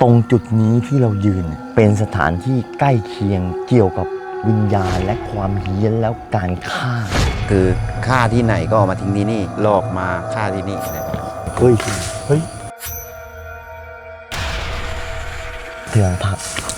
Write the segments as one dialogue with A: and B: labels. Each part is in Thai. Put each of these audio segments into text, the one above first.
A: ตรงจุดนี้ที่เรายืนเป็นสถานที่ใกล้เคียงเกี่ยวกับวิญญาณและความเฮี้ยนแล้วการฆ่า
B: คือฆ่าที่ไหนก็เอามาทิ้งที่นี่หลอกมาฆ่าที่นี่นะ
A: เฮ้ยเตือนทัก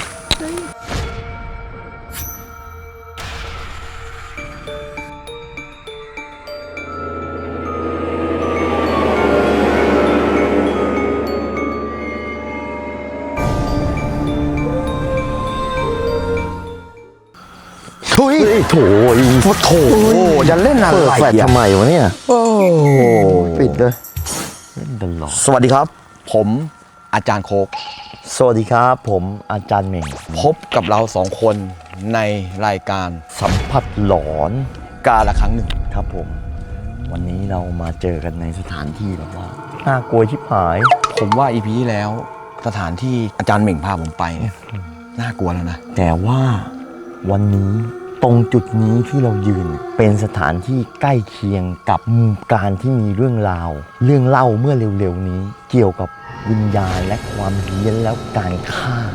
A: โถ
B: จะเล่นอะไร
A: เปิดแฟลชทำไมวะเนี่ยโอ้ปิดเลยเล่นตลอด
B: สวัสดีครับ ผมอาจารย์โคก
A: สวัสดีครับผมอาจารย์เหม่ง
B: พบกับเราสองคนในรายการ
A: สัมผัสหลอน
B: กาละครั้งหนึ่ง
A: ครับผมวันนี้เรามาเจอกันในสถานที่แบบว่าน่ากลัวชิบหาย
B: ผมว่าอีพีที่แล้วสถานที่อาจารย์เหม่งพาผมไปเนี่ยน่ากลัวแล้วนะ
A: แต่ว่าวันนี้ตรงจุดนี้ที่เรายืนเป็นสถานที่ใกล้เคียงกับการที่มีเรื่องราวเรื่องเล่าเมื่อเร็วๆนี้เกี่ยวกับวิญญาณและความเฮี้ยนแล้วการฆ่า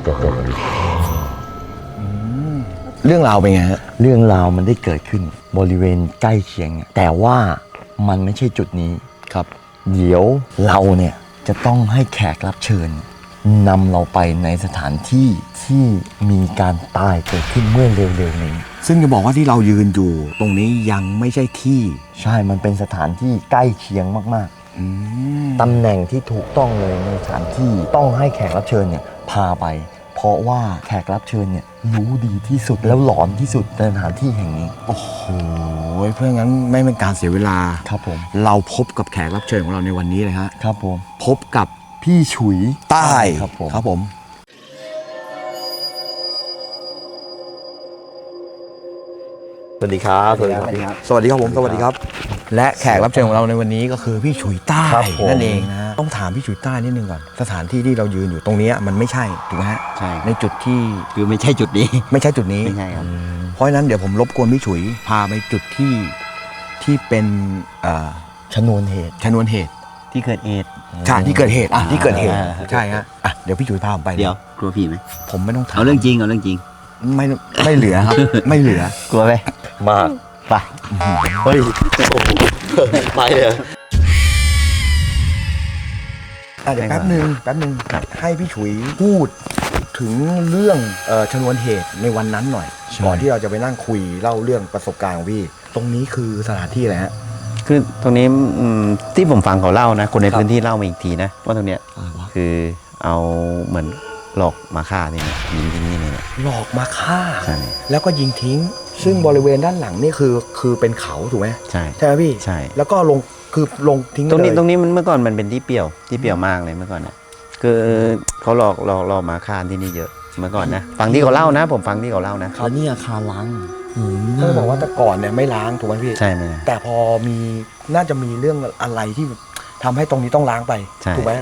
B: เรื่องราวเป็นไงฮะ
A: เรื่องราวมันได้เกิดขึ้นบริเวณใกล้เคียงแต่ว่ามันไม่ใช่จุดนี้
B: ครับ
A: เดี๋ยวเราเนี่ยจะต้องให้แขกรับเชิญนำเราไปในสถานที่ที่มีการตายเกิดขึ้นเมื่อเร็วๆนี้
B: ซึ่งจะบอกว่าที่เรายืนอยู่ตรงนี้ยังไม่ใช่ที่
A: ใช่มันเป็นสถานที่ใกล้เคียงมากๆตำแหน่งที่ถูกต้องเลยในสถานที่ต้องให้แขกรับเชิญเนี่ยพาไปเพราะว่าแขกรับเชิญเนี่ยรู้ดีที่สุดแล้วหลอนที่สุดในสถานที่แห่งนี้
B: โอ้โหเพื่องั้นไม่เป็นการเสียเวลา
A: ครับผม
B: เราพบกับแขกรับเชิญของเราในวันนี้เลยฮะ
A: ครับผม
B: พบกับ
A: พี่ฉุย
B: ใต้
A: ครับผมสวัสดีครับ
B: สวัสดีครับสวัสดีครับผมสวัสดีครับและแขกรับเชิญของเราในวันนี้ก็คือพี่ฉุยใต้นั่นเองนะต้องถามพี่ฉุยใต้นิดนึงก่อนสถานที่ที่เรายืนอยู่ตรงนี้มันไม่ใช่ถูกไหมฮะ
C: ใช่
B: ในจุดที่
C: คือไม่ใช่จุดนี้
B: ไม่ใช่จุดนี้
C: ไม่ใช่ครับ
B: เพราะฉะนั้นเดี๋ยวผมรบกวนพี่ฉุยพาไปจุดที่เป็น
A: ชนวนเหตุ
C: ที่เกิดเหตุ
B: ใช่ที่เกิดเหตุที่เกิดเหตุใช่ฮะเดี๋ยวพี่ฉุยพาผมไป
C: เดี๋ยวกลัวผีไหม
B: ผมไม่ต้องถาม
C: เอาเรื่องจริง
B: ไม่เหลือครับไม่เหลือก
C: ลัวไหม
A: มาไปเฮ้ยไปเลย
B: เดี๋ยวแป๊บนึงให้พี่ฉุยพูดถึงเรื่องชนวนเหตุในวันนั้นหน่อยก่อนที่เราจะไปนั่งคุยเล่าเรื่องประสบการณ์ของพี่ตรงนี้คือสถานที่อะไรฮะ
C: คือตรงนี้ที่ผมฟังเขาเล่านะคนในพื้นที่เล่ามาอีกทีนะว่าตรงเนี้ยคือเอาเหมือนหลอกมาฆ่านี่นะยิงทิ้งนี่เลย
B: หลอกมาฆ่าแล้วก็ยิงทิ้งซึ่งบริเวณด้านหลังนี่คือเป็นเขาถูกไหม
C: ใช่
B: ไหมพี่
C: ใช่
B: แล้วก็ลงทิ้ง
C: ตรงนี้มันเมื่อก่อนมันเป็นที่เปี่ยวมากเลยเมื่อก่อนนะคือเขาหลอกมาฆ่าที่นี่เยอะเมื่อก่อนนะฟังที่เขาเล่านะผมฟังที่เขาเล่านะ
A: แล้วนี่อาคารล้าง
B: เขาบอกว่าแต่ก่อนเนี่ยไม่ล้างถูกไหมพี่
C: ใช่ไหม
B: แต่พอมีน่าจะมีเรื่องอะไรที่ทำให้ตรงนี้ต้องล้างไปถูกไหม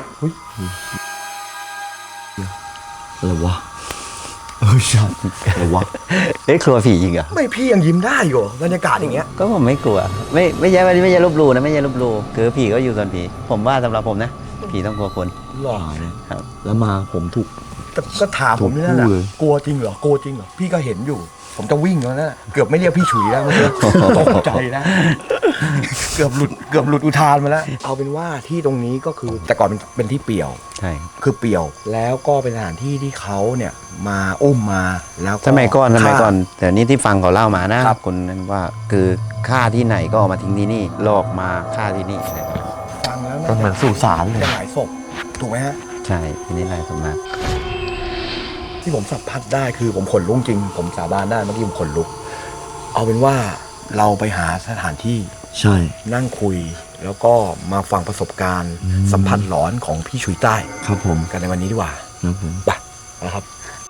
A: อะไรวะใช่อะไรวะ
C: กลัวผีจริงเหรอ
B: ไม่พี่ยังยิ้มได้อยู่บรรยากาศอย่างเงี้ย
C: ก็ผมไม่กลัวไม่ใช่ลบหลู่นะไม่ใช่ลบหลู่คือผีก็อยู่ส่วนผีผมว่าสำหรับผมนะผีต้องกลัวคน
B: หลอก
C: ครับ
A: แล้วมาผมถูก
B: ก็ถามผมนี่นั่นแหละกลัวจริงเหรอกลัวจริงเหรอพี่ก็เห็นอยู่ผมจะวิ่งแล้วนะเกือบไม่เรียกพี่ฉุยแล้วเมื่อกี้ตกใจนะเกือบหลุดอุทานมาแล้วเอาเป็นว่าที่ตรงนี้ก็คือแต่ก่อนเป็นที่เปี่ยว
C: ใช่
B: คือเปี่ยวแล้วก็เป็นสถานที่ที่เขาเนี่ยมาอุ้มมาแล้ว
C: สมัยก่อนแต่นี่ที่ฟังเขาเล่ามานะคนนั้นว่าคือฆ่าที่ไหนก็เอามาทิ้งที่นี่หลอกมาฆ่าที่นี่
B: ฟังแล้ว
A: ก็เหมือนสุสานเลย
B: หลายศพถูกไหมฮะ
C: ใช่ที่นี่หลายศพมาก
B: ที่ผมสัมผัสได้คือผมขนลุกจริงผมสาบานได้เมื่อกี้ผมขนลุกเอาเป็นว่าเราไปหาสถานที่
A: ใช่
B: นั่งคุยแล้วก็มาฟังประสบการณ์สัมผัสหลอนของพี่ฉุยใต้
A: ครับผม
B: กันในวันนี้ดีกว่า
A: ครับผม
B: ไปนะครับ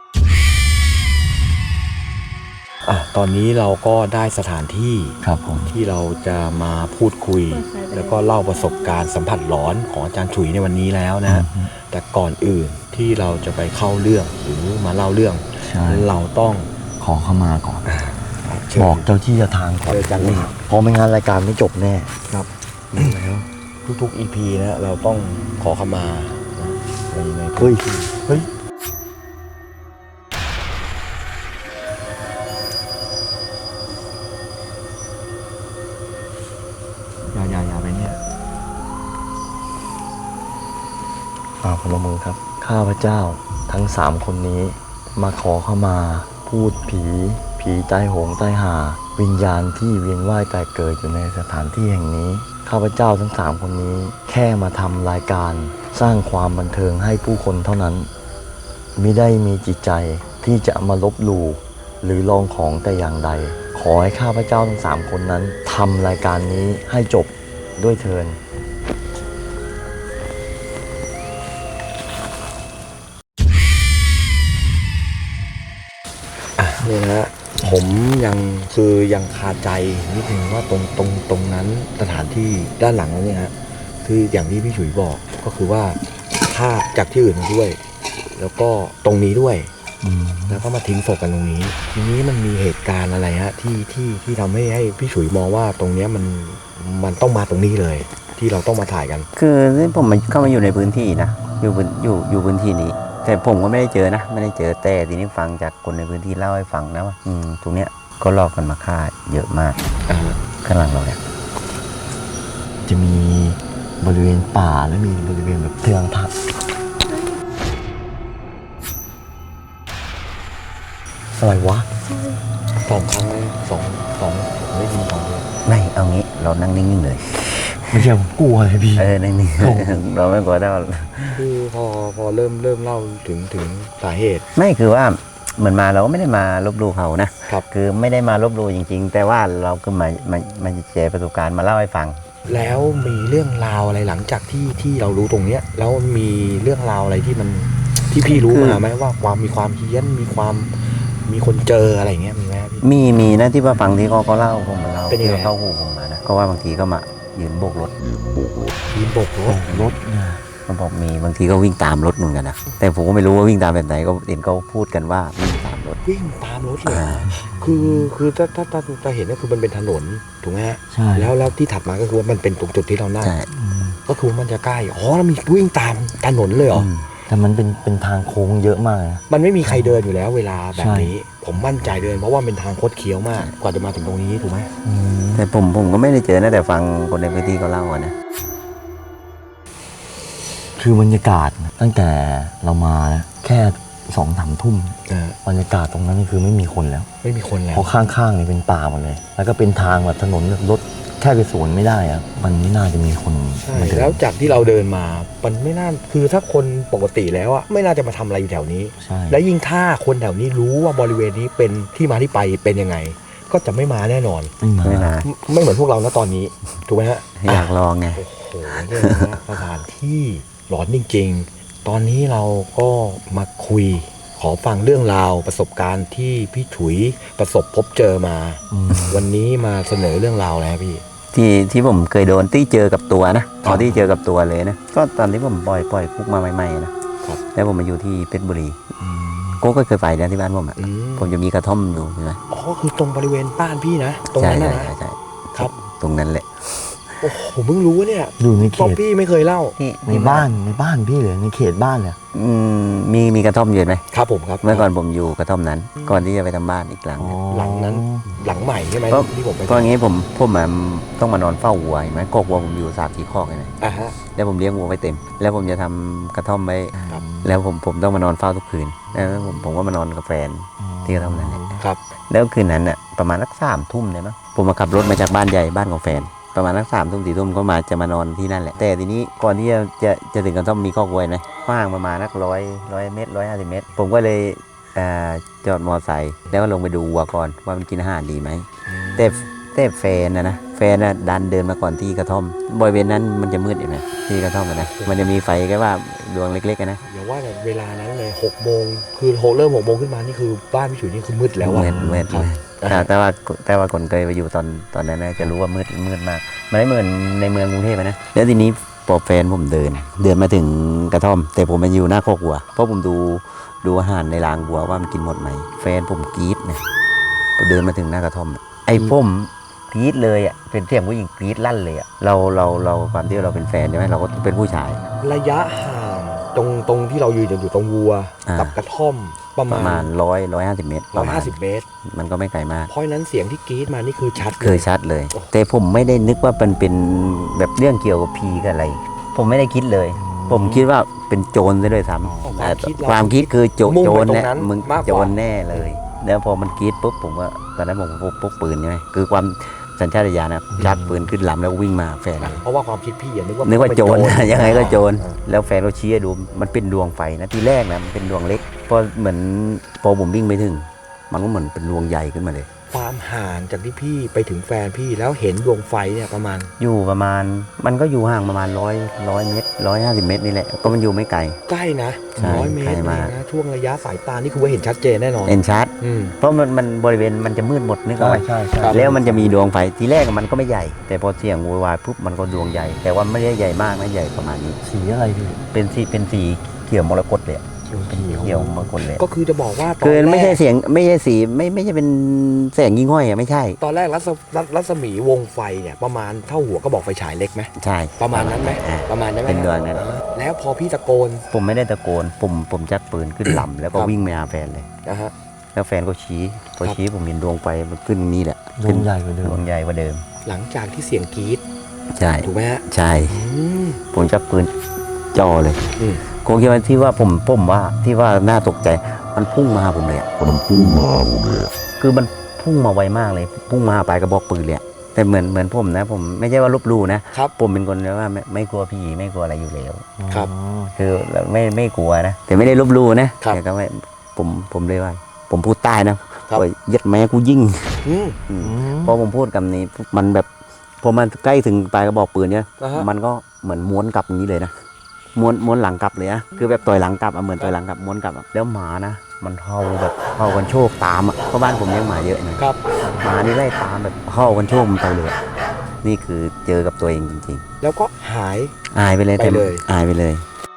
B: ตอนนี้เราก็ได้สถานที่
A: ครับผม
B: ที่เราจะมาพูดคุยแล้วก็เล่าประสบการณ์สัมผัสหลอนของอาจารย์ฉุยในวันนี้แล้วนะแต่ก่อนอื่นที่เราจะไปเข้าเรื่องหรือมาเล่าเรื่องเราต้อง
A: ขอเข้ามาก่อนบอกเจ้าที่เจ้าทางก่อนเพราะไม่งั้นรายการไม่จบแน่
B: ครับแล้วทุกๆ EP นะเราต้องขอเข้ามาใน
A: เฮ้ย
B: เฮ้ยอย่าไปเนี่ย
A: พนมมือครับ ข้าพเจ้าทั้ง3คนนี้มาขอเข้ามาพูดผีใต้โหงใต้หา วิญญาณที่เวียนว่ายตายเกิดอยู่ในสถานที่แห่งนี้ ข้าพเจ้าทั้ง3คนนี้แค่มาทำรายการสร้างความบันเทิงให้ผู้คนเท่านั้นมิได้มีจิตใจที่จะมาลบหลู่หรือลองของแต่อย่างใด ขอให้ข้าพเจ้าทั้ง3คนนั้นทำรายการนี้ให้จบด้วยเถิด
B: เนี่ยนะฮะผมยังคาใจนิดนึงว่าตรงนั้นสถานที่ด้านหลังนั้นเนี่ยฮะคืออย่างที่พี่ฉุยบอกก็คือว่าฆ่าจากที่อื่นมาด้วย แล้วก็ตรงนี้ด้วยแล้วก็มาทิ้งศพกันตรงนี้ทีนี้มันมีเหตุการณ์อะไรฮะที่ทำให้พี่ฉุยมองว่าตรงเนี้ยมันต้องมาตรงนี้เลย ที่เราต้องมาถ่ายกัน
C: คือที่ผมเข้ามาอยู่ในพื้นที่นะอยู่พื้นที่นี้ แต่ผมก็ไม่ได้เจอนะไม่ได้เจอแต่ทีนี้ฟังจากคนในพื้นที่เล่าให้ฟังนะว่าตรงเนี้ยก็หลอกกันมาฆ่าเยอะมากข้างหลังเราเนี่ย
A: จะมีบริเวณป่าและมีบริเวณแบบเทืองทับอะไรวะ
B: 2 ครั้งเลยสองผมได้ยิน2เลย
C: ไม่เอางี้เรานั่งนิ่งๆเลย
A: ไม่ใช่ผมกลัวเลยพี่
C: นิ่งๆ เราไม่กลัวได้
B: คือพอเริ่มเล่าถึงสาเหตุ
C: ไม่คือว่าเหมือนมาเราก็ไม่ได้มาลบหลู่เขานะครับ คือไม่ได้มาลบหลู่จริงๆ แต่ว่าเราก็มาแชร์ประสบการณ์มาเล่าให้ฟัง
B: แล้วมีเรื่องราวอะไรหลังจากที่เรารู้ตรงเนี้ยแล้วมีเรื่องราวอะไรที่พี่รู้มาไหมว่ามีความเฮี้ยนมีคนเจออะไรเงี้ยมีไหมพี่
C: มีนะที่ว่าฟังที่เขาเล่าผมมาเล่า
B: เป็นยังไง
C: ที่เข้าหูผมมานะก็ว่าบางทีก็มายืนโบกรถ
B: ยืนโบกรถ
A: เนี่ย
C: เขาบอกมีบางทีก็วิ่งตามรถเหมือนกันนะแต่ผมก็ไม่รู้ว่าวิ่งตามแบบไหนก็เห็นเขาพูดกันว่าวิ่งตามรถ
B: วิ่งตามรถเลยคือถ้าเห็นก็คือมันเป็นถนนถูกไหมฮะ
A: ใช่
B: แล้วที่ถัดมาก็คือว่ามันเป็นตรงจุดที่เรานั่ง
C: ใช่
B: ก็คือว่ามันจะใกล้แล้วมีวิ่งตามถนนเลยเหรอ
A: แต่มันเป็นทางโค้งเยอะมากนะ
B: มันไม่มีใครเดินอยู่แล้วเวลาแบบนี้ ผมมั่นใจเดินเพราะว่าเป็นทางคดเคี้ยวมากกว่าจะมาถึงตรงนี้ถูกไหม
C: แต่ผมก็ไม่ได้เจอนะแต่ฟังคนในพื้นที่เขาเล่าอะนะ
A: คือบรรยากาศตั้งแต่เรามาแค่2-3 ทุ่มบรรยากาศตรงนั้นนี่คือไม่มีคนแล้ว
B: ไม่มีคนแล้ว
A: เพราะข้างๆนี่เป็นป่าหมดเลย แล้วก็เป็นทางแบบถนนรถแค่ไปสวนไม่ได้อะมันไม่น่าจะมีคน
B: ใช่
A: มาเดิน
B: แล้วจากที่เราเดินมามันไม่น่าคือถ้าคนปกติแล้วอะไม่น่าจะมาทำอะไรอยู่แถวนี้
A: ใช่
B: และยิ่งถ้าคนแถวนี้รู้ว่าบริเวณนี้เป็นที่มาที่ไปเป็นยังไง ก็จะไม่มาแน่นอน
C: ไม่นะ
B: ไม่เหมือนพวกเรานะตอนนี้ถูกไหมฮะ
C: อยากลองไง
B: โอ้โหเนี่ยนะสถานที่หลอนจริงๆ ตอนนี้เราก็มาคุย ขอฟังเรื่องราวประสบการณ์ที่พี่ถุยประสบพบเจอมา วันนี้มาเสนอเรื่องราวแล้วพี่
C: ที่ผมเคยโดนที่เจอกับตัวนะที่เจอกับตัวเลยนะก็ตอนที่ผมปล่อยคุกมาใหม่ๆนะครับ แล้วผมมาอยู่ที่เพชรบุรีก็เคยไปนะที่บ้านผมอ่ะผมจะมีกระท่อมอยู่ใช่ไหม
B: อ๋อคือตรงบริเวณบ้านพี่นะตรง
C: ใช่
B: นั้น
C: ใช่
B: นะ
C: ใช่
B: ครับ
C: ตรงนั้นแหละ
B: โอ้โหผมเพิ่งรู้เนี่ย
A: อยู่ในเข
B: ป๊อป
A: ต
B: ปี้ไม่เคยเล่า
A: ในบ้านพี่เลยในเขตบ้านเลย
C: มีกระท่อมอยู่ไหม
B: ครับผมครับ
C: เมื่อก่อนผมอยู่กระท่อมนั้น ก่อนที่จะไปทำบ้านอีกหลังเนี่ย
B: หลังนั้นหลังใหม่ใช่ไหม
C: ก็
B: ที่ผมไป
C: ก็อย่างงี้ผมต้องมานอนเฝ้าวัวเห็นไหมกกวัวผมอยู่3-4คอกเลยนะ
B: อ่ะฮะ
C: แล้วผมเลี้ยงวัวไว้เต็ม แล้วผมจะทำกระท่อมไว้
B: ครับ
C: แล้วผมต้องมานอนเฝ้าทุกคืนแล้วผมก็มานอนกับแฟนที่กระท่อมนั้นแหละ
B: ครับ
C: แล้วคืนนั้นน่ะประมาณสัก3 ทุ่มเลยมั้งผมมาขับรถมาจากบ้านใหญ่บ้านของแฟน ประมาณสัก3 ทุ่ม 4 ทุ่มก็จะมานอนที่นั่นแหละแต่ทีนี้ก่อนที่จะถึงกระท่อมมีคอกวัวนะกว้างประมาณสัก100 เมตร150 เมตร ผมก็เลยจอดมอไซค์แล้วก็ลงไปดูวัวก่อนว่ามันกินอาหารดีไหมแต่แฟนนะดันเดินมาก่อนที่กระท่อมบริเวณนั้นมันจะมืดเห็นไหมที่กระท่อมนะมันจะมีไฟแค่ว่าดวงเล็กๆนะ
B: อย่าว่าแต่เวลานั้นเลย6 โมงคือเริ่ม6 โมงขึ้นมานี่คือบ้านพี่ฉุยนี่คือมืดแล้วอะ
C: มืด
B: ครับ
C: แต่ว่าคนเคยไปอยู่ตอนนั้นนะจะรู้ว่ามืดมากมันไม่เหมือนในเมืองกรุงเทพนะแล้วทีนี้พอแฟนผมเดินมาถึงกระท่อม แต่ผมมาอยู่หน้าคอกวัวเพราะผมดูอาหารในรางวัวว่ามันกินหมดไหมแฟนผมกรี๊ดนะเดินมาถึงหน้ากระท่อมไอ้ผมกรี๊ดเลยอ่ะเป็นเสียงผู้หญิงกรี๊ดลั่นเลยอ่ะเราความที่เราเป็นแฟนใช่ไหมเราก็เป็นผู้ชาย
B: ระยะห่างตรงที่เรายืนอยู่ตรงวัว
C: อ่ากั
B: กับกระท่อมประ
C: ประ
B: มา
C: มา
B: ณ
C: ณ150 เมตร
B: 150 เมตร
C: มันก็ไม่ไกลมาก
B: เพราะฉะนั้นเสียงที่กรี๊ดมานี่คือชัดเล
C: คือย ชัดเลย แต่ผมไม่ได้นึกว่ามันเป็นแบบเรื่องเกี่ยวกับผีกับอะไร ผมไม่ได้คิดเลย ผมคิดว่าเป็นโจรซะด้วยซ้ำ ความคิดคือโจ
B: มุ่ง
C: โจ
B: ไป
C: ร
B: ตร
C: เนี่ย
B: งนั้น
C: มึง
B: มากก
C: โจ
B: ว่าร
C: แน่เลย แล้วพอมันกรีดปุ๊บผมก็ตอนนั้นผมพกปืนใช่ไหมคือความสัญชาตญาณนะชักปืนขึ้นลำแล้ววิ่งมาแฟนเลย
B: เพราะว่าความคิดพี่นึกว่า
C: นึกว่าโจร
B: เป็น
C: ยังไงก็โจร
B: อ่า
C: แล้วแฟนเราชี้ให้ดูมันเป็นดวงไฟนะทีแรกนะมันเป็นดวงเล็กพอเหมือนพอผมวิ่งไปถึง มันก็เหมือนเป็นดวงใหญ่ขึ้นมาเลย
B: ความห่างจากที่พี่ไปถึงแฟนพี่แล้วเห็นดวงไฟเนี่ยประมาณ
C: อยู่ประมาณมันก็อยู่ห่างประมาณ100 เมตร150 เมตรนี่แหละก็มันอยู่ไม่ไกล
B: ใกล้นะ
C: ใช่
B: 100 เมต
C: ใกล้
B: ร
C: มาก
B: นะช่วงระยะสายตานี่คือว่าเห็นชัดเจนแน่นอน
C: เอ็นชาร์ด
B: อืม
C: เพราะมันบริเวณมันจะมืดหมดนึกออกไหม
A: ใช่
B: ครับ
C: แล้วมันจะมีดวงไฟทีแรกมันก็ไม่ใหญ่ แต่พอเสียงโวยวายปุ๊บมันก็ดวงใหญ่ แต่ว่าไม่ได้ใหญ่มากนะใหญ่ประมาณนี้
A: สีอะไรพี่
C: เป็นสีเขียวมรกตเลยอะ เขียวมรกตเลย
B: ก็คือจะบอกว่าตอน
C: คือ
B: แร
C: ไม่ใช่
B: ก
C: เสียงไม่ใช่สีไม่ใช่เป็นแสงยิ่งห้อยอะไม่ใช่
B: ตอนแรกรัศมีวงไฟเนี่ยประมาณเท่าหัวก็บอกไฟฉายเล็กไหม
C: ใช่
B: ประมาณนั้นไหม
C: อ่า
B: ประมาณนั้นไหม
C: เป็นดวงนั้น
B: แล้วพอพี่ตะโกน
C: ผมไม่ได้ตะโกนผมชักปืนขึ้นลำแล้วก็
B: ครับ
C: วิ่งไปหาแฟนเลย
B: นะฮะ
C: แล้วแฟนก็ชี้พอชี้ผมเห็นดวงไฟมันขึ้นนี่แหละ
A: ดวงใหญ่กว่าเดิ
C: ด
A: ม
C: วงใหญ่กว่าเดิม
B: หลังจากที่เสียงกรี๊ด
C: ใช่
B: ถูกไหมฮะ
C: ใช่
B: อืม
C: ผมชักปืนจ่อเลย
B: อืม
C: คงคิดว่าที่ว่าผมว่าที่ว่าน่าตกใจมันพุ่งมาหาผมเลยอะคือมันพุ่งมาไวมากเลยพุ่งมาหาปลายกระบอกปืนเลยอะแต่เหมือนผมนะ ผมไม่ใช่ว่าลบหลู่นะครับ ผมเป็นคนว่าไม่กลัวผีไม่กลัวอะไรอยู่แล้ว
B: ครับ
C: คือไม่กลัวนะ แต่ไม่ได้ลบหลู่นะครับ แต่ก็ไม่ผมเลยว่า ผมพูดใต้นะครับ โอ้ยยัดแม่กูยิ่ง
B: อืม
C: พอผมพูดคำนี้มันแบบพอมันใกล้ถึงปลายกระบอกปืนเนี่ย
B: นะฮะ
C: มันก็เหมือนม้วนกลับอย่างนี้เลยนะม้วนหลังกลับเลยนะคือแบบต่อยหลังกลับอะเหมือนต่อยหลังกลับม้วนกลับอะแล้วหมานะมันเห่าแบบเห่ากันโชคตามอะเพราะบ้านผมเลี้ยงหมาเยอะนะครับ หมานี่ไล่ตามแบบเห่ากันโชคมันไปเลยอะนี่คือเจอกับตัวเองจริง
B: แล้วก็หาย
C: ๆอายไปเลย
B: ไปเลย
C: อายไปเลย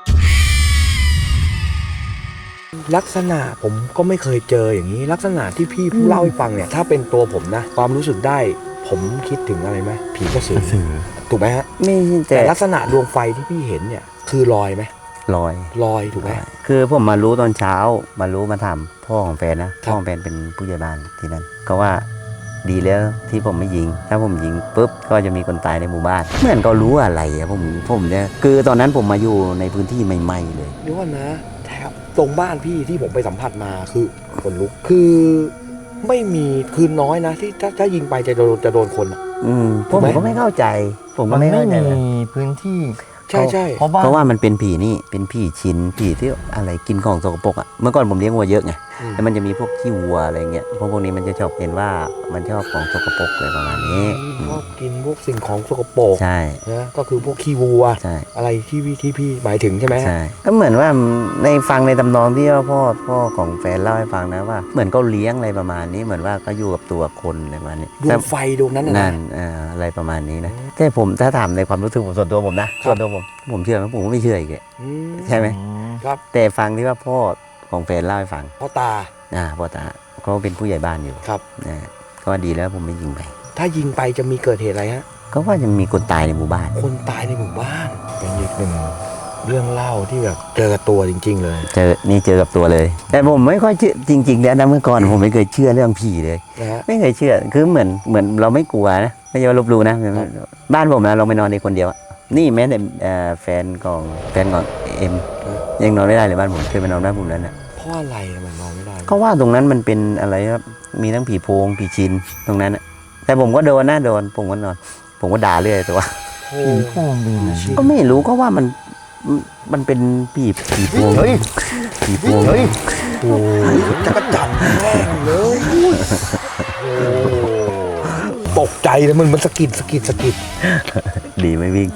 B: ลักษณะผมก็ไม่เคยเจออย่างนี้ ลักษณะที่พี่ผู้เล่าให้ฟังเนี่ย ถ้าเป็นตัวผมนะ ความรู้สึกได้ ผมคิดถึงอะไรไหมผีกระสือถูกไหมฮะ
C: ไม่
B: แต่
C: แต่
B: ลักษณะดวงไฟที่พี่เห็นเนี่ย คือลอยไหม
C: ลอย
B: ลอยถูกไหม
C: คือผมมารู้ตอนเช้ามาถามพ่อของแฟนนะพ่อของแฟนเป็นผู้ใหญ่บ้านที่นั่นก็ว่าดีแล้วที่ผมไม่ยิง ถ้าผมยิงปุ๊บก็จะมีคนตายในหมู่บ้านเหมือนก็รู้อะไรอะผมเนี่ยคือตอนนั้นผมมาอยู่ในพื้นที่ใหม่ๆเลย
B: เดี๋ยวก่อนนะแถบตรงบ้านพี่ที่ผมไปสัมผัสมาคือคนลุกคือไม่มีคือน้อยนะ ที่ถ้ายิงไปจะโดนคนอะ
C: ผ
B: ถูก
C: ม
B: ไหม
C: ก็ไม่เข้าใจ ผมก็
A: มัน
C: ไม่
A: ไม่
C: เข้าใจ
A: มีพื้นที่
B: ใช่ใช่
A: เพราะว่า
C: เพราะว่ามันเป็นผีนี่เป็นผีชินผีที่อะไรกินของสกปรกอ่ะเมื่อก่อนผมเลี้ยงวัวเยอะไง
B: อืม
C: แล้วมันจะมีพวกขี้วัวอะไรเงี้ยพวกนี้มันจะชอบเห็นว่ามันชอบของสกปรกอะไรประมาณนี้
B: ชอบกินพวกสิ่งของสกปรก
C: ใช่
B: นะก็คือพวกขี้วัว
C: ใช่
B: อะไรที่พี่หมายถึงใช่ไหมฮะ
C: ใช่ก็เหมือนว่าในฟังในตำนองที่ว่าพ่อของแฟนเล่าให้ฟังนะว่า เหมือนเขาเลี้ยงอะไรประมาณนี้เหมือนว่าก็อยู่กับตัวคนอะไรประมาณนี้
B: ดวงไฟดวงนั้นน่ะ
C: นั่
B: นะ
C: นอะไรประมาณนี้นะแต่ผมถ้าถามในความรู้สึกผมส่วนตัวผมนะ
B: ครับ
C: ส่วนตัวผมเชื่อไหมผมก็ไม่เชื่ออีกเลย
B: อืม
C: ใช่ไหม
B: ครับ
C: แต่ฟังที่ว่าพ่อของแฟนเล่าให้ฟัง
B: พ่อตา
C: พ่อตาเขาเป็นผู้ใหญ่บ้านอยู่
B: ครับ
C: นะก็ว่าดีแล้วผมไม่ยิงไป
B: ถ้ายิงไปจะมีเกิดเหตุอะไรฮะ
C: ก็ว่าจะมีคนตายในหมู่บ้าน
B: คนตายในหมู่บ้าน เป็นอีกหนึ่งเรื่องเล่าที่แบบเจอกับตัวจริง ๆ เลย
C: เจอกับตัวเลย แต่ผมไม่ค่อยเชื่อจริงๆแล้วนะเมื่อก่อนผมไม่เคยเชื่อเรื่องผีเลย
B: นะฮะ
C: ไม่เคยเชื่อคือเหมือนเราไม่กลัวนะไม่ใช่ว่าลบหลู่นะบ้านผมนะเราไม่นอนในคนเดียวอะนี่แม้แต่แฟนของเอ็มยังนอนไม่ได้เลยบ้านผมเคยไปนอนบ้านผมแล้วนะ
B: เพราะอะไรมันนอนไม่ได้
C: เขาว่าตรงนั้นมันเป็นอะไรครับมีทั้งผีโพงผีชินตรงนั้นนะแต่ผมก็โดนนะผมก็นอน ผมก็ด่าเรื่อยแต่ว่า
B: โอ้
A: ผีโพงเป็นยังไง
C: ก็ไม่รู้ก็ว่ามันเป็นผีโพง
A: เฮ้ย
C: ผีโพง
A: เฮ้ย
B: โหจักรจันทร์แม่งเลยโอ้ตกใจเลยมันสะกิด
C: ดีไม่วิ่ง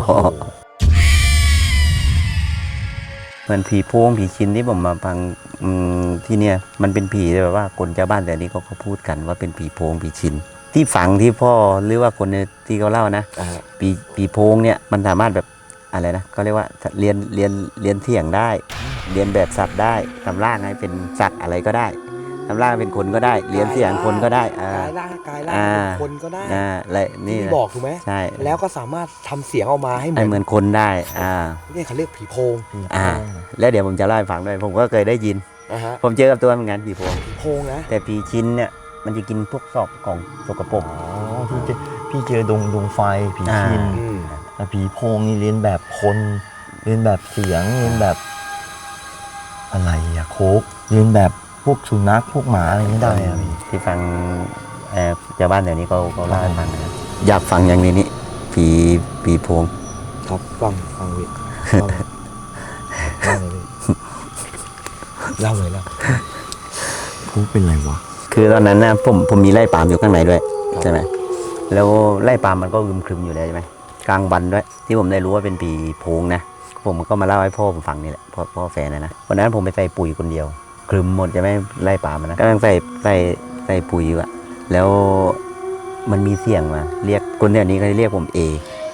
C: เหมือนผีโพงผีชินที่ผมมาฟังที่เนี่ยมันเป็นผีแบบว่าคนชาวบ้านแต่นี้เขาพูดกันว่าเป็นผีโพงผีชิน ที่ฝังที่พ่อหรือว่าคนที่เขาเล่านะ
B: อ่า
C: ผีโพงเนี่ยมันสามารถแบบอะไรนะเขาเรียกว่าเรียนเถียงได้ เรียนแบบสัตว์ได้ทำร่างให้เป็นสัตว์อะไรก็ได้ ททำร่างเป็นคนก็ได้เรียนเสียงคนก็ได้
B: กายร่างเป็นคนก็ได้
C: อะไรนี่
B: ที่
C: นะ
B: บอกถูกไหม
C: ใช่
B: แล้วก็สามารถทำเสียงออกมาให้เห
C: ให้เห
B: มื
C: มื
B: อน
C: อนคนได้
B: เนี่ยเขาเรียกผีโพง
C: แล้วเดี๋ยวผมจะเล่าให้ฟังด้วยผมก็เคยได้ยิน
B: นะฮะ
C: ผมเจอกับตัวเหมือนกันผีโพง
B: ผีโพงนะ
C: แต่ผีชิ้นเนี่ยมันจะกินพวกซอกของสกปรก
A: อ๋อพี่เจอดวงไฟผีชิน
B: อืม
A: แต่ผีโพงนี่เรียนแบบคนเรียนแบบเสียงเรียนแบบอะไรอะโคกเรียนแบบพวกสุนัขพวกหมาอะไรไม่ได้อะพี่
C: ที่ฟังชาวบ้านแถวนี้เขาเล่าให้ฟังนะอยากฟังอย่างนี้นี่ผีโพง
B: ครับฟังวิเล่าเลยเล่า
A: โคกเป็นไรวะ
C: คือตอนนั้นนะผมมีไร่ปาล์มอยู่ข้างในด้วยใช่ไหมแล้วไร่ปาล์มมันก็อึมครึมอยู่แล้วใช่ไหมกลางวันด้วย ที่ผมได้รู้ว่าเป็นผีโพงนะผมก็มาเล่าให้พ่อผมฟังนี่แหละพ่อแฟนนะวันนั้นผมไปใส่ปุ๋ยคนเดียวครึมหมดใช่ไหมไร่ปาล์มนะกำลังใส่ปุ๋ยอยู่อะแล้วมันมีเสียงมาเรียกคนแถวนี้เขาเรียกผมเอ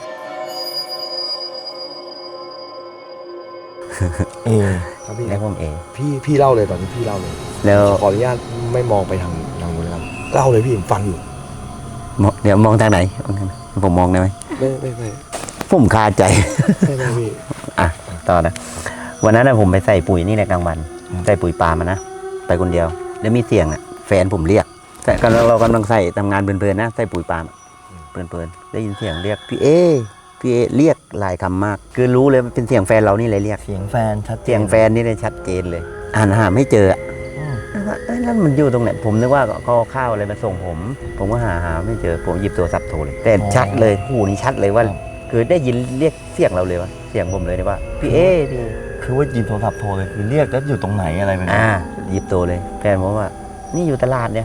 B: ครับพี่
C: เรียกผมเอ
B: พี่เล่าเลยตอนนี้พี่เล่าเลย
C: แล้ว
B: ขออนุญาตไม่มองไปทางนู้นนะครับเล่าเลยพี่ผมฟังอยู่
C: เดี๋ยวมองทางไหนผมมองได้ไหม
B: ไม่
C: ผมคาใจ
B: ไม่พี่
C: อ่ะต่อนะวันนั้นนะผมไปใส่ปุ๋ยนี่แหละกลางวันใส่ปุ๋ยปาล์มนะไปคนเดียวแล้วมีเสียงอ่ะแฟนผมเรียกแต่เรากำลังใส่ทำงานเพลินๆนะใส่ปุ๋ยปาล์มเพลินๆได้ยินเสียงเรียกพี่เอเรียกหลายคำมากคือรู้เลยมันเป็นเสียงแฟนเรานี่เลยเรียก
A: เสียงแฟนชัดเจน
C: เสียงแฟนนี่เลยชัดเจนเลยหาไม่เจออะ
A: อืม
C: แล้วมันอยู่ตรงไหนผมนึกว่าเขาเอาข้าวอะไรมาส่งผมก็หาไม่เจอผมหยิบโทรศัพท์โทรเลยแต่ชัดเลยหูนี่ชัดเลยว่า คือได้ยินเรียกเสียงเราเลยวะเสียงผมเลยนะว่าพี่เอพี่
A: คือว่าหยิบโทรศัพท์โทรเลยคือเรียกแล้วอยู่ตรงไหนอะไรแบบนี้
C: หยิบโทรเลยแฟนผมว่า นี่อยู่ตลาดเนี่ย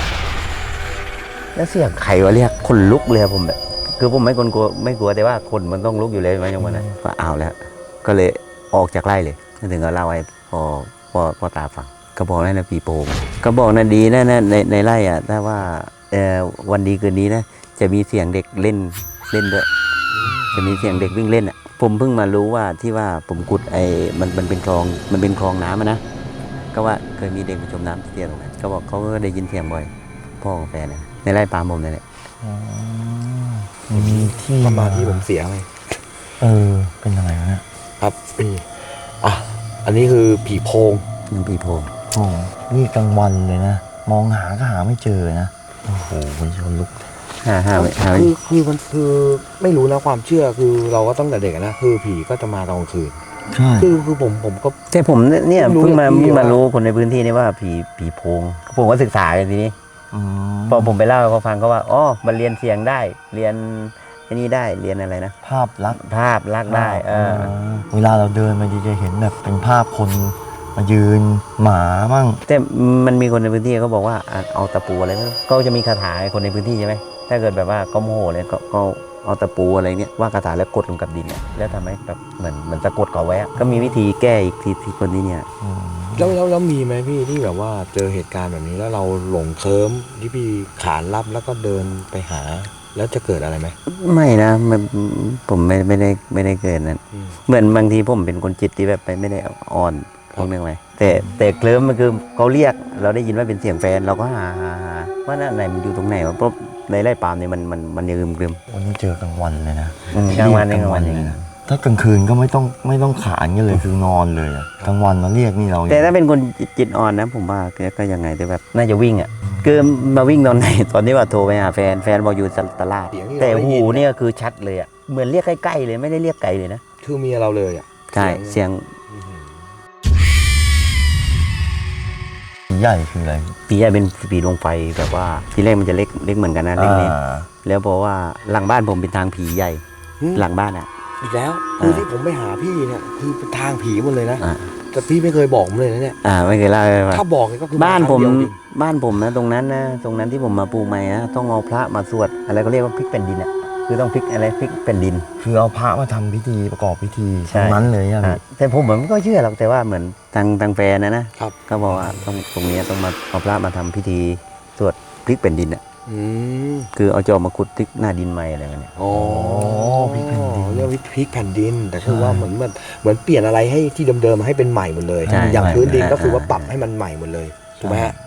C: แล้วเสียงใครวะเรียกคนลุกเลยอะผมแบบคือผมไม่กลัวแต่ว่าคนมันต้องลุกอยู่เลยมาอย่างวันนั้นก็เอาแล้ว ก็เลยออกจากไร่เลยถึงก็เล่าให้พ่อตาฟังก็บอกนั่นนะปีโป่งก็บอกนะดีนะในไร่อ่ะถ้าว่าวันดีคืนนี้นะจะมีเสียงเด็กเล่นด้วยจะมีเสียงเด็กวิ่งเล่นอ่ะผมเพิ่งมารู้ว่าที่ว่าผมกุดมันเป็นคลองน้ำนะก็ว่าเคยมีเด็กมาจมน้ำที่เตียงตรงนั้นก็บอกเขาก็ได้ยินเสียงบ่อยพ่อของแฟนนะในไร่ปาล์มผมนั่นแหละ
A: อ๋อมีที่
B: มาที่ผมเสียไหม
A: เป็นอะไรวะเนี่ย
B: ครับพี่อันนี้คือผีโพง
C: ยังปีโป่ง
A: โอ้โหนี่กลางวันเลยนะมองหาก็หาไม่เจอนะโอ้โหมันชนลุก
C: ห้า
B: คือมันคือไม่รู้นะความเชื่อคือเราก็ตั้งแต่เด็กอะนะคือผีก็จะมาตอนกลางคืน
A: ใช่
B: คือผมก็
C: แต่ผมเนี่ย
B: เพิ่
C: เพิ่
B: ง
C: ง
B: รู้
C: มา
B: ว่า
C: รู้คนในพื้นที่นี่ว่าผีโพงผมก็ศึกษากันทีนี้
A: อืม
C: พอผมไปเล่าให้เขาฟังก็ว่าอ๋อมันเรียนเสียงได้เรียนไอ้นี่ได้เรียนอะไรนะ
A: ภาพลักษณ์
C: ภาพลักษณ์ได้
A: เวลาเราเดินมาจะเห็นแบบเป็นภาพคนมายืนหมาบ้าง
C: แต่มันมีคนในพื้นที่เขาบอกว่าเอาตะปูอะไรไม่รู้ก็จะมีคาถาให้คนในพื้นที่ใช่ไหมถ้าเกิดแบบว่าก็โมโหเลยก็เอาตะปูอะไรเนี่ยว่าคาถาแล้วกดลงกับดินเนี่ยแล้วทำให้แบบเหมือนสะกดเขาไว้อะก็มีวิธีแก้อีกที่คนที่เนี่ย
B: แล้วมีไหมพี่ที่แบบว่าเจอเหตุการณ์แบบนี้แล้วเราหลงเคลิ้มที่พี่ขานรับแล้วก็เดินไปหา แล้วจะเกิดอะไรไหม
C: ไม่นะผมไม่ได้เกิดนั้นเหมือนบางทีผมเป็นคนจิตที่แบบไม่ได้อ่อนพวกนึงไหมแต่เคลิ้มมันคือเขาเรียกเราได้ยินว่าเป็นเสียงแฟนเราก็หาว่านั่นไหนมันอยู่ตรงไหนวะเพราะในไร่ปาล์มเนี่ยมันยังกลึม
A: วันนี้เจอกลางวันเลยนะ
C: กลางวันอย่าง
A: เลยนะถ้ากลางคืนก็ไม่ต้องขานกันเลยคือนอนเลยอะกลางวันมาเรียกนี่เรา
C: แต่ถ้าเป็นคนจิตอ่อนนะผมว่าก็ยังไงแต่แบบน่าจะวิ่งอ่ะคือมาวิ่งตอนไหนตอนที่ว่าโทรไปหาแฟนบอกอยู่ตลาดแต่หูเนี่ยคือชัดเลยอ่ะเหมือนเรียกใกล้ๆเลยไม่ได้เรียกไกลเลยนะ
B: คือเมียเราเลยอ่ะ
C: ใช่เสียง
A: ใหญ่คืออะไร
C: ปีใหญ่เป็นปีดวงไฟแบบว่าทีแรกมันจะเล็กเหมือนกันนะเล็กนิดแล้วเพราะว่าหลังบ้านผมเป็นทางผีใหญ่หลังบ้านอ่ะ
B: อีกแล้วคือที่ผมไปหาพี่เนี่ยคือเป็นทางผีหมดเลยนะ
C: อ่า
B: แต่พี่ไม่เคยบอกผมเลยนะเนี่ย
C: ไม่เคยเล่าให้ฟัง
B: ถ้าบอกเนี่ยก็คือ
C: บ้านผม
B: ครั้งเดียวจริง
C: บ้านผมนะตรงนั้นที่ผมมาปลูกใหม่นะต้องเอาพระมาสวดอะไรก็เรียกว่าพลิกแผ่นดินอ่ะคือต้องพลิกอะไรพลิกแผ่นดิน
A: คือเอาพระมาทำพิธีประกอบพิธี
C: ใช่
A: ทั้งนั้นเลยอะ
C: แต่ผมเหมือนก็เชื่อหรอกแต่ว่าเหมือนทางแฟนนะครับ ก็บอกว่าตรงนี้ต้องมาเอาพระมาทำพิธีสวดพลิกแผ่นดินอ่ะ
B: อืม
C: คือเอาจอบมาขุดพลิกหน้าดินใหม่อะไรแบบเนี้ย
B: อ๋อ
A: พริกแผ่นดิน
B: เรียกว่าพริกแผ่นดิน แต่คือว่าเหมือนเปลี่ยนอะไรให้ที่เดิมๆให้เป็นใหม่หมดเลย อย่างพื้นดินก็คือว่าปรับให้มันใหม่หมดเลยถูกไหมฮะ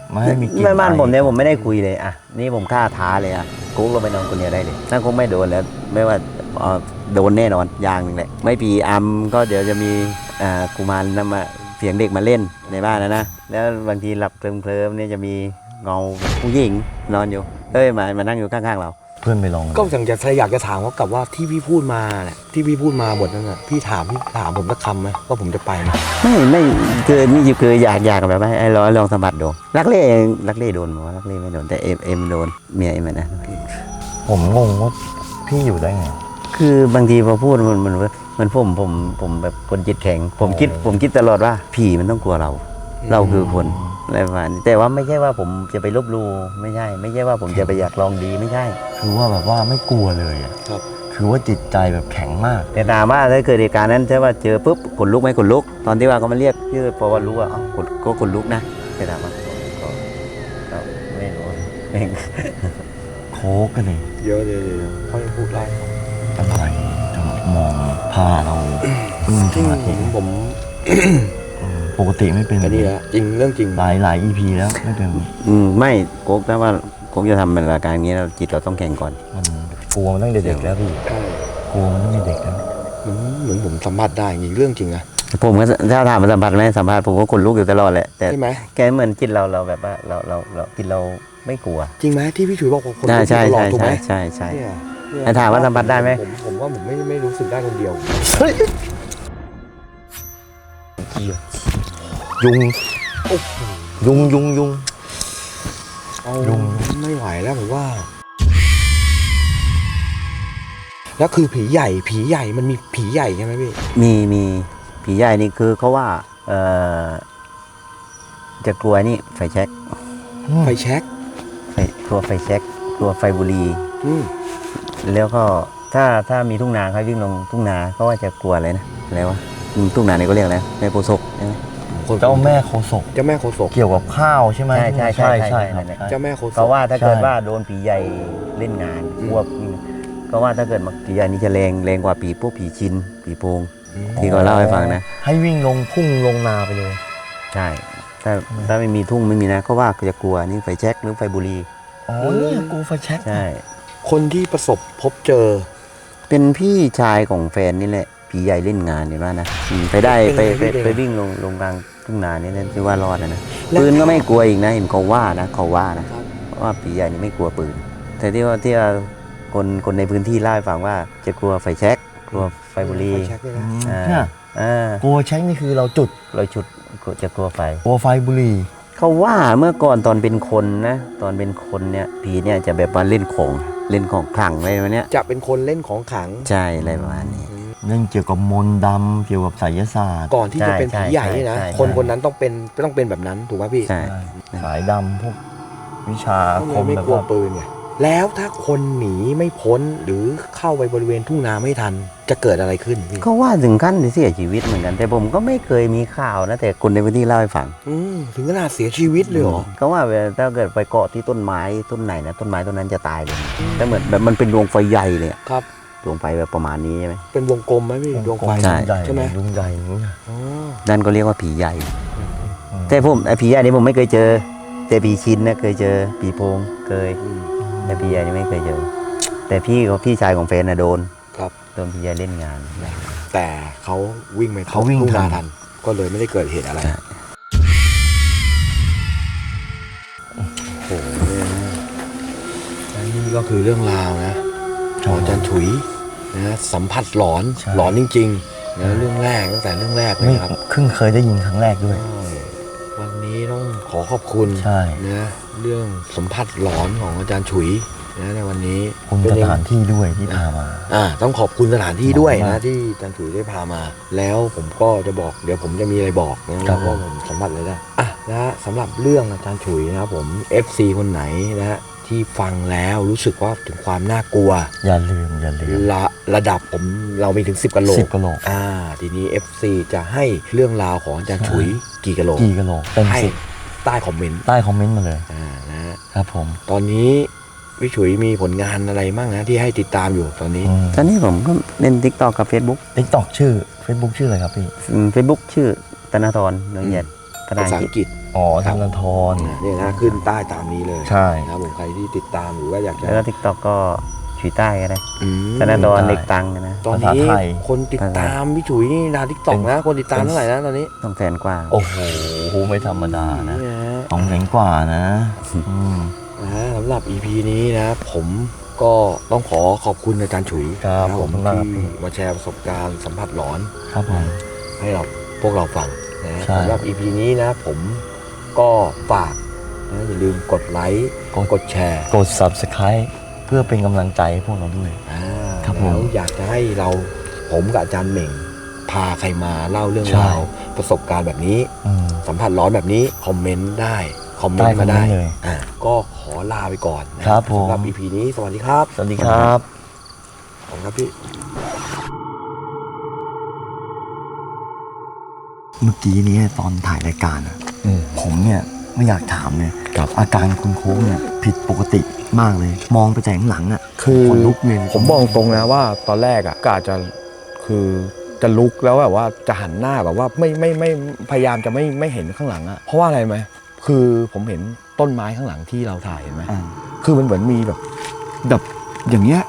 A: ไม่ให้มีกลิ่น
C: ไม่บ้าน
A: ไอ
C: ผมเนี่ยผมไม่ได้คุยเลยอ่ะนี่ผมกล้าท้าเลยอ่ะกุ๊กเราไปนอนคนเดียวได้เลยถ้ากุ๊กไม่โดนแล้วไม่ว่าโดนแน่นอนอย่างหนึ่งแหละไม่ปีอัมก็เดี๋ยวจะมีกุมารนำมาเสียงเด็กมาเล่นในบ้านนะแล้วบางทีหลับเคลิ้มๆเนี่ยจะมีเงาผู้หญิงนอนอยู่มานั่งอยู่ข้างๆเรา
A: เพื่อนไปลอง
B: ก็อยากจะถามเขากลับว่าที่พี่พูดมาเนี่ยที่พี่พูดมาบทนั้นน่ะพี่ถามผมสักคำไหมว่าผมจะไปไหม
C: ไม่คือนี่คืออยากแบบว่าไอ้ลองสัมผัสดูรักเล่โดนมั้ยรักเล่ไม่โดนแต่เอ็มโดนเมียเอ็มนะ
A: ผมงงว่าพี่อยู่ได้ไง
C: คือบางทีพอพูดมันผมแบบคนจิตแข็งผมคิดตลอดว่าผีมันต้องกลัวเราคือคนอะไรประมาณนี้แต่ว่าไม่ใช่ว่าผมจะไปลบหลู่ไม่ใช่ว่าผมจะไปอยากลองดีไม่ใช่
A: คือว่าแบบว่าไม่กลัวเลยอะ
B: ครับ
A: คือว่าจิตใจแบบแข็งมาก
C: แต่ถามว่าถ้าเกิดเหตุการณ์นั้นใช่ว่าเจอปุ๊บขนลุกไหมขนลุกตอนที่ว่าเขามาเรียกชื่อพอว่ารู้ว่าก็ขนลุกนะแต่ถามว่าก็ไม่รู้เอง
A: โค้กกันเลย
B: เดี๋ยวค่อยพูดไล่
A: อะไรจะมองพาเราพึ่งสมาธิ
B: ผม
A: ปกติไม่เป็น
B: อันนี้แหละจริงเรื่องจริง
A: หลาย EP แล้วไม่เป็น
C: ไม่โก๊กถ้าว่าโก๊กจะทำเป็นรายการอย่างนี้เราจิตเราต้องแข็งก่อน
A: มันกลัวมันตั้งแต่เด็กแล้วพี่
B: ใช่
A: กลัวมันตั้งแต่เด็กแล้ว
B: เหมือนผมสัมผัสได้จริงเรื่องจริงนะ
C: ผมก็ถ้าถามมาสัมผัสไหมสัมผัสผมก็ขนลุกอยู่ตลอดแหละแต่
B: ใช่ไหม
C: แกเหมือนจิตเราแบบว่าเราจิตเราไม่กลัว
B: จริงไหมที่พี่ฉุยบอกว่าคน
C: ใช่
B: ตลอดถูกไหม
C: ใช่
B: เนี่ย
C: แต่ถามว่าสัมผัสได้ไหม
B: ผมว่าผมไม่รู้สึกได้คนเดียว
A: ยุง
B: เอา
A: ยุง
B: ไม่ไหวแล้วผมว่า แล้วคือผีใหญ่มันมีผีใหญ่ใช่ไหมพี่
C: มีผีใหญ่นี่คือเขาว่าจะกลัวนี่ไฟแช็ก
B: ไฟแช็ก
C: กลัวไฟแช็กกลัวไฟบุหรี่
B: อืม
C: แล้วก็ถ้ามีทุ่งนาเขาวิ่งลงทุ่งนาเขาว่าจะกลัวอะไรนะอะไรวะทุ่งนาเนี่ยก็เรียกอะไรแม่โพธิ์ศพใช่ไหม
A: เจ้าแม่โคศก
B: เจ้าแม่โคศก
A: เกี่ยวกับข้าวใช่ไหม
C: ใช่
A: ใช่
C: ครับ
B: เจ้าแม่โคศก
C: เขาว่าถ้าเกิด
A: ใช่
C: ว่าโดนผีใหญ่เล่นงานควบก็ว่าถ้าเกิดผีใหญ่นี่จะแรงกว่าพวกผีชินผีโพง ที่เขาเล่าให้ฟังนะ
A: ให้วิ่งลงพุ่งลงนาไปเลย
C: ใช่ถ้าไม่มีทุ่งไม่มีนะก็ว่าจะกลัวนี่ไฟแช็กหรือไฟบุหรี่
A: อ๋อเนี่ยกูไฟแช็ก
C: ใช่
B: คนที่ประสบพบเจอ
C: เป็นพี่ชายของแฟนนี่แหละผีใหญ่เล่นงานเห็นว่านะไปได้
B: เป็นไงพี่
C: ไปวิ่งลงกลางทุ่งนานี่นั่นที่ว่ารอดนะปืนก็ไม่กลัวอีกนะเห็นเขาว่านะว่าผีใหญ่นี่ไม่กลัวปืน แต่ที่ว่าคนในพื้นที่เล่าให้ฟังว่าจะกลัวไฟแช็กกลัวไฟบุหรี่
B: ไฟแช็กด้วยนะ
A: เนี่ย กลัวแช็กนี่คือเราจุด
C: เราชุดจะกลัวไฟ
A: กลัวไฟบุหรี่
C: เขาว่าเมื่อก่อนตอนเป็นคนนะตอนเป็นคนเนี่ยผีเนี่ยจะแบบว่าเล่นของขลังอะไรแบบเนี้ย
B: จะเป็นคนเล่นของขลัง
C: ใช่อะไรประมาณนี้
A: เรื่องเกี่ยวกับมนต์ดำเกี่ยวกับไสยศาสตร์
B: ก่อนที่จะเป็นผีใหญ่นี่นะ
C: ใช่
B: คนนั้นต้องเป็นแบบนั้นถูกไหมพี่
C: ใช่
A: สายดำพวกวิชาอาคม
B: ไม่
A: แบบ
B: กลัว
A: ว่า
B: ปืนไงแล้วถ้าคนหนีไม่พ้นหรือเข้าไปบริเวณทุ่งนาไม่ทันจะเกิดอะไรขึ้นพี่
C: เขาว่าถึงขั้นเสียชีวิตเหมือนกัน แต่ผมก็ไม่เคยมีข่าวนะแต่คนในพื้นที่เล่าให้ฟัง
B: ถึงขนาดเสียชีวิตเลยเหรอ
C: เขาว่าถ้าเกิดไปเกาะที่ต้นไม้ต้นไหนนะต้นไม้ต้นนั้นจะตายเลยแต่เหมือนแบบมันเป็นดวงไฟใหญ่เลยอะ
B: ครับ
C: ดวงไฟแบบประมาณนี้ใช่ไหม
B: เป็นวงกลมไหมพี่ดวงไฟ
C: ใช่
A: ใหญ่
B: ใช่ไหม
A: ลุงใหญ่อย่างนี้
B: อ๋อ
C: นั่นก็เรียกว่าผีใหญ่ แต่ผมไอ้ผีใหญ่นี่ผมไม่เคยเจอ แต่ผีชินนะเคยเจอผีโพงเคย
B: อืม
C: แต่ผีใหญ่นี่ไม่เคยเจอ แต่พี่ชายของแฟนน่ะโดน
B: ครับ
C: โดนผีใหญ่เล่นงาน
B: แต่เขาวิ่งไป
A: เขาวิ่ง
B: ทุ่งนา
A: ทัน
B: ทัน ก็เลยไม่ได้เกิดเหตุอะไร
C: ใช่
B: โอ้โหและนี่ก็คือเรื่องราวนะของอาจารย์ฉุยนะสัมผัสหลอน
A: ใช่
B: หลอนจริงๆนะเรื่องแรกตั้งแต่เรื่องแรกเลย
A: ไม่
B: ครับ
A: เพิ่งเคยได้ยินครั้งแรกด้วย
B: วันนี้ต้องขอขอบคุณ
A: ใช่
B: นะเรื่องสัมผัสหลอนของอาจารย์ฉุยนะในวันนี้
A: คุณ
B: เป็
A: ส
B: ยัง
A: ถานที่ด้วยที่พามา
B: ต้องขอบคุณสถานที่ด้วย
A: ขอบคุณมา
B: นะ
A: ก
B: ที่อาจารย์ฉุยได้พามา แล้วผมก็จะบอกเดี๋ยวผมจะมีอะไรบอกนะครับ ว่าผมสัมผัสอะไรได้และสำหรับเรื่องอาจารย์ฉุยนะครับผม FC คนไหนนะที่ฟังแล้วรู้สึกว่าถึงความน่ากลัว
A: อย่าลืม
B: ระดับเรามีถึง10กะโหล
A: 10
B: ก
A: กะโหลก
B: ทีนี้ FC จะให้เรื่องราวของอาจารย์ฉุยกี่กะโหลก
A: กี่กะโหลกเต็ม
B: ให้
A: 10
B: ใต้คอมเมนต์
A: ใต้คอมเมนต์มาเลย
B: นะฮะ
A: ครับผม
B: ตอนนี้พี่ฉุยมีผลงานอะไรบ้างนะที่ให้ติดตามอยู่ตอนนี้
C: ตอนนี้ผมก็เล่น TikTok กับ Facebook
A: ติ๊กต็อกชื่อ Facebook ชื่ออะไรครับพี่
C: Facebook ชื่อธนาธรเนืองเหยียดภาษาอังกฤษ
A: อ๋อธนาธร
B: เนี่ยนะขึ้นใต้ตามนี้เลย
A: ใช่
B: นะครับผมใครที่ติดตามหรือว่าอยากจะ
C: แล้วก็ทิกตอกก็ฉุยใต้ก็ได้
B: อืม
C: ธนาดรเด็กตังนะ
B: ตอนนี้คนติดตามพี่ฉุยนี่ดาวทิกตอกนะคนติดตามเท่าไหร่นะตอนนี้
C: 200,000 กว่า
A: โอ้โหไม่ธรรมดานะ
B: นี่นะ
A: 200,000 กว่านะอืม
B: สำหรับ EP นี้นะผมก็ต้องขอขอบคุณอาจารย์ฉุย
A: ครับ
B: นะ
A: ผมมาก
B: ที่มาแชร์ประสบการณ์สัมผัสหลอน
A: ครับผม
B: ให้เราพวกเราฟังนะ
A: ใช่
B: สำหรับ EP นี้นะผมก็ฝากนะอย่าลืมกดไลค์กดแชร์
A: กด Subscribe เพื่อเป็นกำลังใจให้พวกเราด้วย ครับผม
B: แล้วอยากจะให้ผมกับอาจารย์เหม่งพาใครมาเล่าเรื่อง
A: ใช่
B: ราวประสบการณ์แบบนี้
A: อืม
B: สัมผัสร้อนแบบนี้คอมเมนต์ได้คอมเมนต์มา
A: ได้
B: ได้
A: คอมเมนต์เลย
B: ก็ขอลาไปก่อนนะครับ
A: ผม
B: สำหรับ EP นี้สวัสดีครับ
A: สวัสดีครับ
B: ขอบคุณครับพี่
A: เมื่อกี้นี้ตอนถ่ายรายการอะผมเนี่ยไม่อยากถามเลย
B: ครับ
A: อาการคุณโค้งเนี่ยผิดปกติมากเลย มองไปแต่ข้างหลังอ่ะ
B: คือ
A: ขนลุกเลย
B: ผมบอกตรงนะว่าตอนแรกอ่ะกะจะคือจะลุกแล้วแบบว่าจะหันหน้าแบบว่าไม่พยายามจะไม่เห็นข้างหลังอ่ะเพราะว่าอะไรไหมคือผมเห็นต้นไม้ข้างหลังที่เราถ่ายเห็นไหม
A: อ่า
B: คือมันเหมือนมีแบบอย่างเงี้ย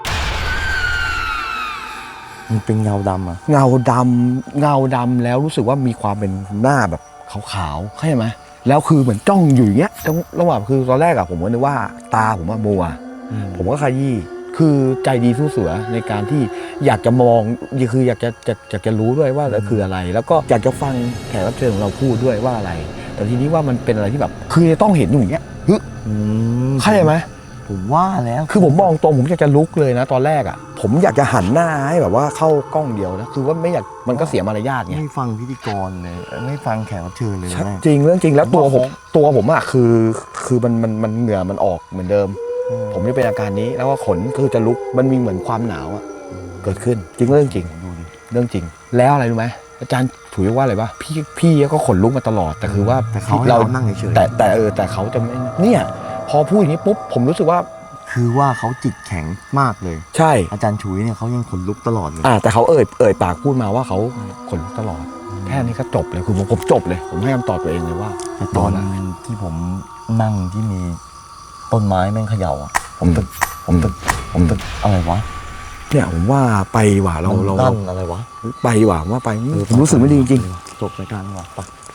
A: มันเป็นเงาดำอ่ะ
B: เงาดำแล้วรู้สึกว่ามีความเป็นหน้าแบบขาวๆเข้าใจไหมแล้วคือเหมือนจ้องอยู่อย่างเงี้ยระหว่างคือตอนแรกอะผมก็นึกว่าตาผมว่ามัว ผมก็ขยี้คือใจดีสู้เสือในการที่อยากจะมองคืออยากจะรู้ด้วยว่าคืออะไร แล้วก็อยากจะฟังแขกรับเชิญของเราพูดด้วยว่าอะไร แต่ทีนี้ว่ามันเป็นอะไรที่แบบคือจะต้องเห็นอยู่อย่างเงี้ยเข้าใจไหม
A: ผมว่าแล้ว
B: คือผมมองตรงผมอยากจะลุกเลยนะตอนแรกอ่ะผมอยากจะหันหน้าให้แบบว่าเข้ากล้องเดียวนะคือว่าไม่อยากมันก็เสียมารยาทไง
A: ไม่ฟังพิธีกรเลยไม่ฟังแขกรับเชิญเลย
B: ชัด
A: นะ
B: จริงเรื่องจริงแล้ว
A: ผมว่า
B: ตัวผมอะคือมันเหงื่อมันออกเหมือนเดิม ผมจะเป็นอาการนี้แล้วก็ขนคือจะลุกมันมีเหมือนความหนาวอะเกิดขึ้นจริงเรื่องจริง
A: ดูดิ
B: เรื่องจริง แล้วอะไรรู้ไหมอาจารย์ถูกว่าอะไรวะพี่ก็ขนลุกมาตลอดแต่คือว่า
A: แต่เขาให้เรานั่งเฉยๆ
B: แต่เขาจะไม่เนี่ยพอพูดอย่างนี้ปุ๊บผมรู้สึกว่า
A: คือว่าเขาจิตแข็งมากเลย
B: ใช่
A: อาจารย์ฉุยเนี่ยเขายังขนลุกตลอดเลย
B: แต่เขาเอ่ยปากพูดมาว่าเขาขนลุกตลอด แค่นี้ก็จบเลยคือผมจบเลย ผมให้คำตอบตัวเองเลยว่า
A: แต่ตอนที่ผมนั่งที่มีต้นไม้แม่งเขย่าอ่ะผมตึกอะไรวะ
B: เนี่ยผมว่าไปว่ะเรา
A: มันลั่นอะไรวะ
B: ไปว่ะว่าไปผมรู้สึกไม่ดีจริง
A: จบรายการดีกว่าไป